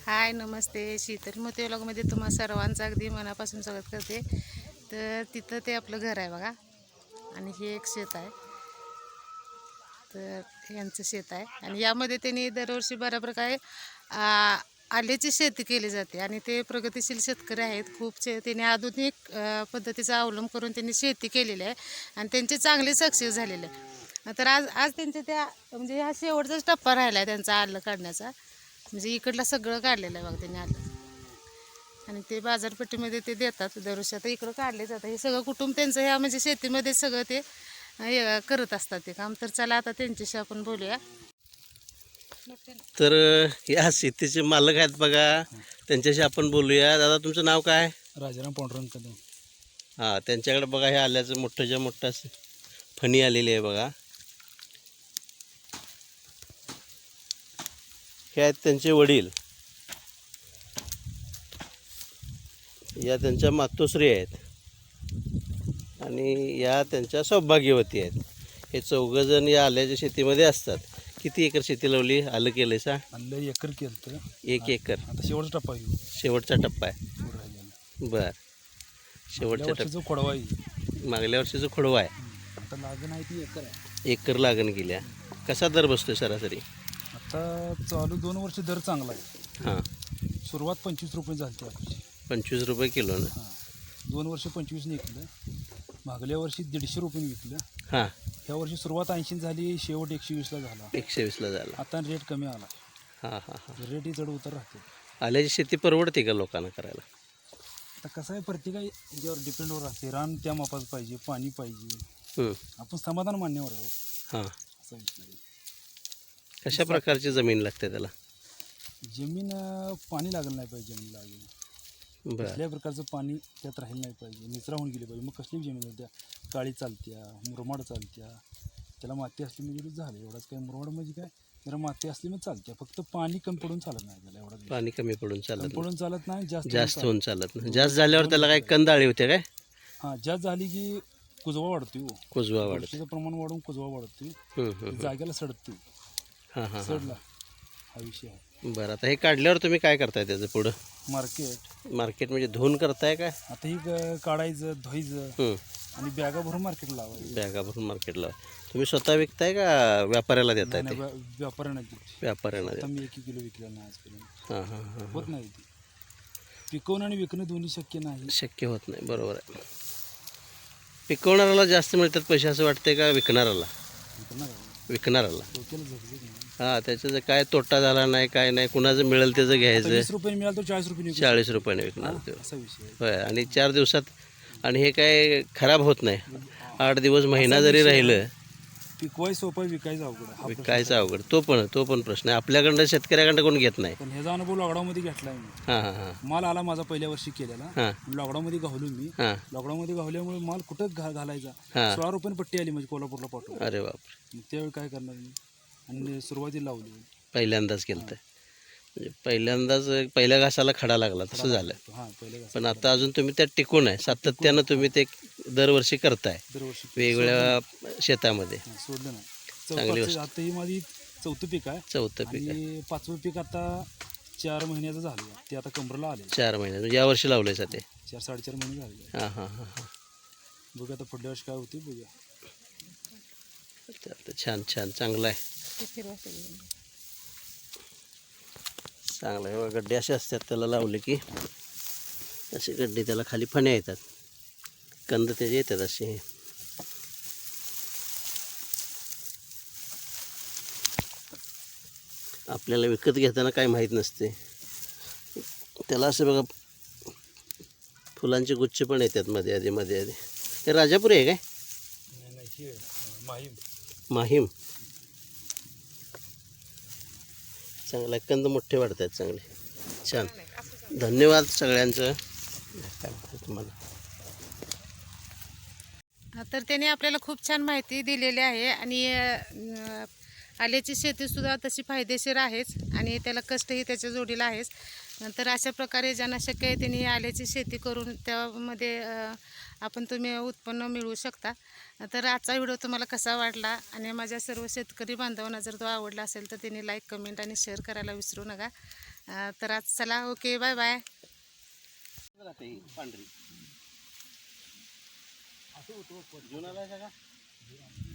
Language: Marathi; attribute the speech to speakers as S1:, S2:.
S1: हाय नमस्ते. शीतल मोती व्लॉगमध्ये तुम्हा सर्वांचं अगदी मनापासून स्वागत करते. तर तिथं ते आपलं घर आहे बघा आणि हे एक शेत आहे. तर यांचं शेत आहे आणि यामध्ये त्यांनी दरवर्षी बऱ्या प्रकारे आल्याची शेती केली जाते आणि ते प्रगतिशील शेतकरी आहेत. त्यांनी आधुनिक पद्धतीचा अवलंब करून त्यांनी शेती केलेली आहे आणि त्यांचे चांगले सक्सेस झालेले आहे. तर आज आज त्यांचे त्या म्हणजे हा शेवटचाच टप्पा राहिला आहे त्यांचा आलं काढण्याचा. म्हणजे इकडलं सगळं काढलेलं आहे बघा त्यांनी आलं आणि ते बाजारपेठेमध्ये ते देतात दरवर्षी. आता इकडं काढले जातात. हे सगळं कुटुंब त्यांचं ह्या म्हणजे शेतीमध्ये सगळं ते करत असतात ते काम. तर चला आता त्यांच्याशी आपण बोलूया.
S2: तर या शेतीचे मालक आहेत बघा, त्यांच्याशी आपण बोलूया. दादा तुमचं नाव काय?
S3: राजाराम पांडुरंग कदम.
S2: हां, त्यांच्याकडे बघा हे आल्याचं मोठंच्या मोठं फणी आलेली आहे बघा. हे आहेत त्यांचे वडील, या त्यांच्या मातोश्री आहेत आणि या त्यांच्या सौभाग्यवती आहेत. हे चौघजण या आल्याच्या शेतीमध्ये असतात. किती एकर शेती लावली? आलं केलंय सा?
S3: आलं एकर केलं तर
S2: 1 एकर.
S3: आता शेवटचा टप्पा येऊ
S2: शेवटचा टप्पा आहे. बर, शेवटच्या
S3: टप्पा खोडवा येईल.
S2: मागल्या वर्षीचं खोडवा आहे.
S3: आता लागण आहे ती एकर आहे.
S2: एकर लागण गेल्या. कसा दर बसतोय सरासरी?
S3: आता चालू 2 वर्ष दर चांगला आहे.
S2: हां,
S3: सुरुवात 25 रुपये झाली आपली.
S2: 25 रुपये किलो ना.
S3: हां, 2 वर्ष 25ने विकलं. मागल्या वर्षी 150 रुपये विकलं.
S2: हां,
S3: ह्या वर्षी सुरुवात 80 झाली, शेवट 120ला झाला.
S2: 120ला झाला.
S3: आता रेट कमी आला.
S2: हां हां हां.
S3: रेटही चढ उतर राहते.
S2: आल्याची शेती परवडते का लोकांना करायला?
S3: आता कसं आहे, प्रत्येका याच्यावर डिपेंडवर राहते. रान त्या मापाचं पाहिजे, पाणी पाहिजे. आपण समाधान मान्यवर आहे.
S2: हां,
S3: असा विषय आहे.
S2: कशा प्रकारची जमीन लागते त्याला?
S3: जमीन पाणी लागलं नाही पाहिजे. जमीन लागेल
S2: बरं,
S3: कसल्याही प्रकारचं पाणी त्यात राहिलं नाही पाहिजे. निचरा होऊन गेली पाहिजे. मग कसली जमीन होत्या, काळी चालत्या, मुरमाड चालत्या. त्याला माती असली म्हणजे झालं. एवढंच काय, मुरमाड म्हणजे काय, जरा माती असली म्हणजे चालत्या. फक्त पाणी कमी पडून चालत नाही त्याला. एवढं
S2: पाणी कमी पडून चालत नाही.
S3: पडून चालत नाही.
S2: जास्त होऊन चालत नाही. जास्त झाल्यावर त्याला काय कंदाळी होते काय?
S3: हां, जास्त झाली की कुजवा वाढतो.
S2: कुजवा वाढत.
S3: बुरशीचं प्रमाण वाढून कुजवा वाढतो. जागेला सडतो.
S2: हां हां हां.
S3: सडला हा विषय आहे.
S2: बरं, आता हे काढल्यावर तुम्ही काय करताय त्याचं पुढं?
S3: मार्केट
S2: म्हणजे धुवून करताय काय?
S3: आता ही काढायचं, धुवायचं आणि बॅगा भरून मार्केटला लावायचं.
S2: बॅगा भरून मार्केटला. तुम्ही स्वतः विकताय का व्यापाऱ्याला देताय? ते
S3: व्यापाऱ्यांना
S2: व्यापाऱ्यांना
S3: आता
S2: देताय.
S3: मी 1 किलो विकलं नाही आजपर्यंत.
S2: हां हां हां.
S3: होत नाही ती. पिकवणं आणि विकणं दोन्ही शक्य नाही.
S2: शक्य होत नाही. बरोबर आहे. पिकवणाऱ्याला जास्त मिळतात पैसे असं वाटतंय का विकणाऱ्याला? विकणाऱ्याला.
S3: डोक्याला झगझग नाही.
S2: हां, त्याचं काय तोटा झाला नाही, काय नाही, कुणाचं मिळेल त्याचं घ्यायचं.
S3: 20 रुपये मिळालं तर 40 रुपये
S2: 40 रुपयाने विकणार ते.
S3: असा विषय आहे.
S2: होय, आणि 4 दिवसात. आणि हे काय खराब होत नाही. 8 दिवस, महिना जरी राहिलं.
S3: पिकवाय सोपं, विकायचं अवघड आहे.
S2: विकायचं अवघड. तो पण प्रश्न आहे. आपल्याकडं शेतकऱ्याकडं कोण घेत नाही.
S3: पण ह्याचा अनुभव लॉकडाऊनमध्ये घेतलाय मी.
S2: हां हां हां
S3: माल आला माझा पहिल्या वर्षी केलेला.
S2: हां
S3: लॉकडाऊनमध्ये गावलो मी.
S2: हां
S3: लॉकडाऊनमध्ये गावल्यामुळे माल कुठं घालायचा.
S2: हां.
S3: 16 रुपये पट्टी आली म्हणजे कोल्हापूरला पाठवून.
S2: अरे बापरे.
S3: मग त्यावेळी काय करणार मी. आणि सुरुवातीला लावली.
S2: पहिल्यांदाच केलं तर म्हणजे पहिल्या घासाला खडा लागला तसं झालं.
S3: हां, पहिल्या
S2: पण आता अजून तुम्ही त्यात टिकून आहे. सातत्यानं तुम्ही ते दरवर्षी करताय
S3: दरवर्षी
S2: वेगवेगळ्या शेतामध्ये.
S3: सोडलं नाही.
S2: चांगली गोष्ट.
S3: आता ही माझी 4थं पीक आहे.
S2: 4थं पीक आहे.
S3: आणि 5वं पीक आता 4 महिन्याचं झालं. ते आता कमरेला आले.
S2: 4 महिने म्हणजे यावर्षी लावलंय सा ते?
S3: 4-4.5 महिने झाले.
S2: हां हां हां हां.
S3: बघूया आता पुढल्या वर्षी काय होते बघूया.
S2: छान छान, चांगलं आहे. चांगलं आहे. गड्डे असे असतात त्याला लावले की, असे गड्डे त्याला खाली फण्या येतात, कंद त्याचे येतात असे. आपल्याला विकत घेताना काही माहीत नसते. त्याला असं बघा फुलांचे गुच्छ पण येतात मध्ये आधी. हे राजापुरी आहे काय? माहीम. चांगला कंद मोठे वाढतात चांगले. छान, धन्यवाद सगळ्यांचं. काय तुम्हाला
S1: तर त्याने आपल्याला खूप छान माहिती दिलेली आहे आणि आल्याची शेतीसुद्धा तशी फायदेशीर आहेच आणि त्याला कष्टही त्याच्या जोडीला आहेच. तर अशा प्रकारे ज्यांना शक्य आहे त्यांनी आल्याची शेती करून त्यामध्ये तुम्ही उत्पन्न मिळवू शकता. तर आजचा व्हिडिओ तुम्हाला कसा वाटला आणि माझ्या सर्व शेतकरी बांधवांना जर तो आवडला असेल तर त्यांनी लाईक, कमेंट आणि शेअर करायला विसरू नका. तर आज चला ओके बाय बाय.
S2: राहते ही पांढरी जुनाला आहे का